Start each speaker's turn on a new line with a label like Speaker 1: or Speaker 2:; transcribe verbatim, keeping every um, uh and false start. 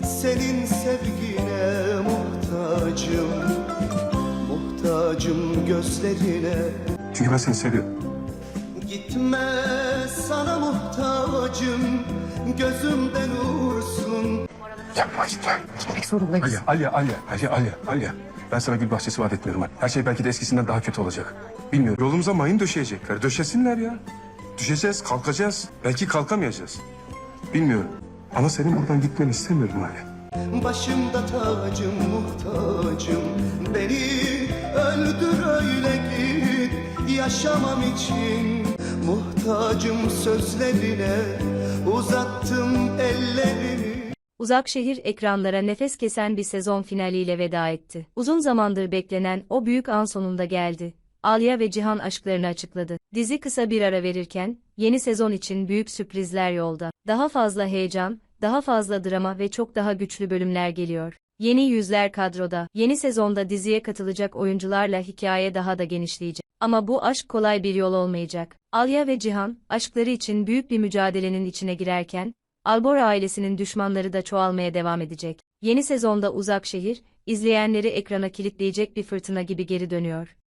Speaker 1: Senin sevgine muhtacım, muhtacım gözlerine.
Speaker 2: Çünkü ben seni seviyorum.
Speaker 1: Gitme, sana muhtacım, gözümden uğursun.
Speaker 2: Yapma gitme.
Speaker 3: Gitmek zorundayız.
Speaker 2: Alya, Alya, Alya, Alya, Alya, Alya. Ben sana gül bahçesi vaat etmiyorum. Her şey belki de eskisinden daha kötü olacak. Bilmiyorum. Yolumuza mayın döşeyecekler. Döşesinler ya. Düşeceğiz, kalkacağız. Belki kalkamayacağız. Bilmiyorum. Ama senin buradan gitmeni istemiyorum Alya.
Speaker 1: Başımda tacım, muhtacım, beni öldür öyle git. Yaşamam için muhtacım sözlerine, uzattım ellerimi.
Speaker 4: Uzak Şehir ekranlara nefes kesen bir sezon finaliyle veda etti. Uzun zamandır beklenen o büyük an sonunda geldi. Alya ve Cihan aşklarını açıkladı. Dizi kısa bir ara verirken, yeni sezon için büyük sürprizler yolda. Daha fazla heyecan, daha fazla drama ve çok daha güçlü bölümler geliyor. Yeni yüzler kadroda. Yeni sezonda diziye katılacak oyuncularla hikaye daha da genişleyecek. Ama bu aşk kolay bir yol olmayacak. Alya ve Cihan, aşkları için büyük bir mücadelenin içine girerken, Albora ailesinin düşmanları da çoğalmaya devam edecek. Yeni sezonda Uzak Şehir, izleyenleri ekrana kilitleyecek bir fırtına gibi geri dönüyor.